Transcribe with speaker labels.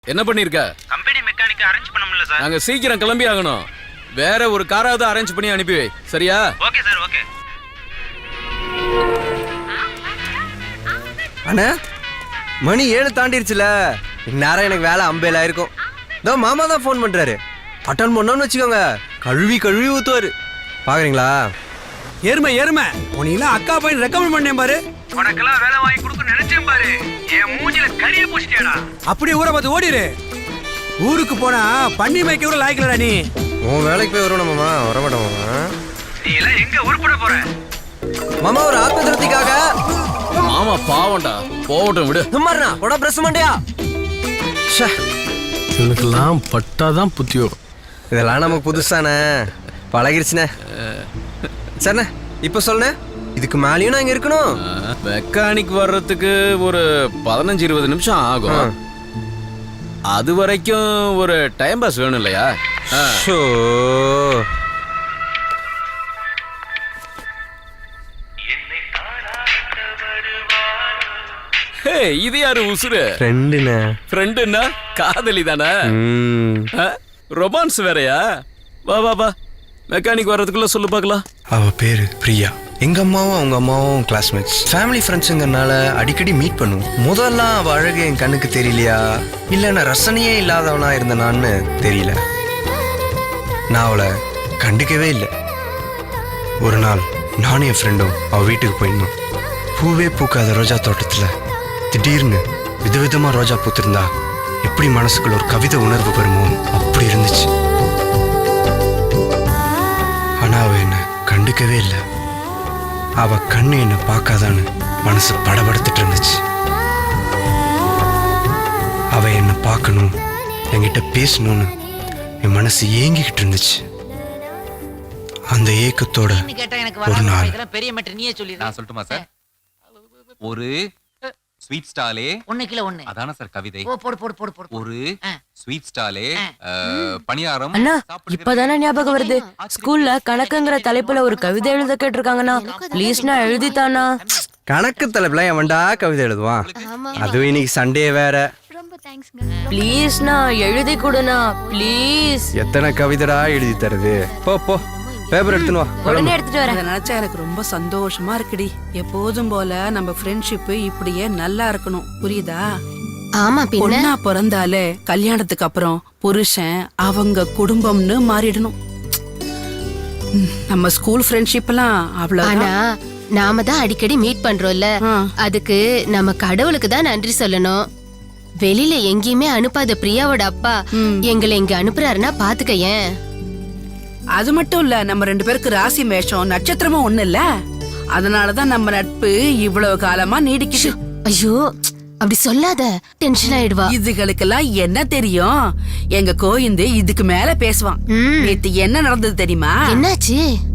Speaker 1: என்ன பண்ணிருக்க?
Speaker 2: Company mechanic arrange பண்ண முடியல சார்.
Speaker 1: நாங்க சீக்கிரம் கிளம்பி ஆகணும். வேற ஒரு காராவது அரேஞ்ச் பண்ணி அனுப்பி வை. சரியா?
Speaker 2: Okay sir, okay.
Speaker 3: அண்ணா மணி 7 தாண்டிருச்சுல. இந்நேரம் எனக்கு வேலை அம்பேல இருக்கும். இதோ மாமா தான் ஃபோன் பண்றாரு. அட்டன் பண்ணோன்னு வச்சுக்கோங்க, கழுவி கழுவி ஊத்துவாரு. பாக்குறீங்களா?
Speaker 4: எருமை உனக்கெல்லாம் அக்கா பையன் ரெக்கமெண்ட் பண்ணேன் பாரு.
Speaker 2: உனக்கெல்லாம் வேலை வாங்கி கொடுக்க நினைச்சேன் பாரு. என் மூஞ்சில கரிய பூசிட்டியாடா.
Speaker 4: அப்படியே ஊரை பார்த்து ஓடிரு. ஊருக்கு போனா பண்ணி மேய்க்க கூட லாய்க்கலடா நீ.
Speaker 3: உன் வேலைக்கு போய் வருவோம் மாமா. வரமாட்டோம் மாமா.
Speaker 2: நீ எல்லாம் எங்க உருப்பட போற?
Speaker 3: மாமா ஒரு ஆத்ம திருப்திக்காக.
Speaker 1: மாமா பாவம்டா, போகட்டும் விடு.
Speaker 3: சும்மாருண்ணா உட பிரஸ் மண்டியா.
Speaker 5: எனக்கெல்லாம் பட்டாதான் புத்தி வரும்.
Speaker 3: இதெல்லாம் நமக்கு புதுசானே, பழகிருச்சுண்ணே. சரிண்ணே, இப்போ சொல்லுண்ணே, இதுக்கு மேலேயும் நான் இங்க இருக்கணும்.
Speaker 1: மெக்கானிக் வர்றதுக்கு ஒரு 15-20 நிமிஷம் ஆகும். அது வரைக்கும் ஒரு டைம் பாஸ் வேணும் இல்லையா?
Speaker 3: ஷோ
Speaker 1: இது யாரு உசுரு?
Speaker 3: ஃப்ரெண்டுண்ணே.
Speaker 1: ஃப்ரெண்டுன்னா காதலி தானே? ரொமான்ஸ் வேறயா? வா வா வா, மெக்கானிக் வர்றதுக்குள்ள சொல்லு பார்க்கலாம்.
Speaker 6: அவ பேரு பிரியா. எங்க அம்மாவும் அவங்க அம்மாவும் கிளாஸ்மேட்ஸ், ஃபேமிலி ஃப்ரெண்ட்ஸுங்கிறனால அடிக்கடி மீட் பண்ணுவோம். முதல்லாம் அவ அழகு என் கண்ணுக்கு தெரியலையா, இல்ல நான் ரசனையே இல்லாதவனா இருந்தனான்னு தெரியல. நான் அவளை கண்டுக்கவே இல்லை. ஒரு நாள் நானும் என் ஃப்ரெண்டும் அவ வீட்டுக்கு போயிருந்தோம். பூவே பூக்காத ரோஜா தோட்டத்துல திடீர்னு விதவிதமா ரோஜா பூத்திருந்தா எப்படி மனசுக்குள்ள ஒரு கவிதை உணர்வு வருமோ அப்படி இருந்துச்சு. ஆனா அவ என்ன கண்டுக்கவே இல்லை. அவ கண்ணு என்ன பார்க்காதான்னு மனசு படபடுத்துட்டு இருந்துச்சு. அவ என்ன பார்க்கணும், என்கிட்ட பேசணும்னு என் மனசு ஏங்கிக்கிட்டு இருந்துச்சு. அந்த ஏக்கத்தோட ஒரு நாள்
Speaker 7: பெரிய மேட்டர் நீயே சொல்லி.
Speaker 8: நான் சொல்லட்டுமா சார்? ஒரு ஸ்வீட் ஸ்டாலே
Speaker 7: 1 கிலோ 1
Speaker 8: அதான சார் கவிதை.
Speaker 7: போடு.
Speaker 8: ஒரு ஸ்வீட் ஸ்டாலே பணியாரம்.
Speaker 9: அண்ணா இப்பதானே ஞாபகம் வருது, ஸ்கூல்ல கணக்குங்கிற தலைப்புல ஒரு கவிதை எழுத கேட்டிருக்காங்கண்ணா. ப்ளீஸ்ண்ணா எழுதித்தானா.
Speaker 3: கணக்கு தலைப்புல எவன்டா கவிதை எழுதுவான்? அதுவும் இன்னைக்கு சண்டே வேற.
Speaker 9: ப்ளீஸ்ண்ணா எழுதி கொடுண்ணா ப்ளீஸ்.
Speaker 3: எத்தனை கவிதைடா எழுதி தருது? போ போ, பேப்பர் எடுத்துன்னு வா.
Speaker 9: உடனே எடுத்துட்டு வரேன்.
Speaker 10: அதை நினைச்சா எனக்கு ரொம்ப சந்தோஷமா இருக்குடி. எப்போதும் போல நம்ம ஃப்ரெண்ட்ஷிப் இப்படியே நல்லா இருக்கணும், புரியுதா?
Speaker 9: ஆமா,
Speaker 10: பொண்ணா பிறந்தாலே கல்யாணத்துக்கு அப்புறம் புருஷன் அவங்க குடும்பம்னு மாறிடணும். நம்ம ஸ்கூல் ஃப்ரெண்ட்ஷிப் எல்லாம் அவ்வளவு.
Speaker 9: நாம தான் அடிக்கடி மீட் பண்றோம்ல, அதுக்கு நம்ம கடவுளுக்கு தான் நன்றி சொல்லணும். வெளியில எங்கேயுமே அனுப்பாத பிரியாவோட அப்பா எங்களை இங்க அனுப்புறாருன்னா பாத்துக்கயேன்.
Speaker 10: அது மட்டும் இல்ல, நம்ம 2 பேருக்கு ராசி மேஷம் நட்சத்திரமும் ஒண்ணு இல்ல. அதனாலதான் நம்ம நட்பு இவ்வளவு காலமா நீடிக்குது.
Speaker 9: ஐயோ அப்படி சொல்லாத, டென்ஷன் ஆயிடுவா.
Speaker 10: இதுகளுக்கெல்லாம் என்ன தெரியும்? எங்க கோயிந்து இதுக்கு மேல பேசுவான். நேத்து என்ன நடந்தது தெரியுமா?
Speaker 9: என்னாச்சு?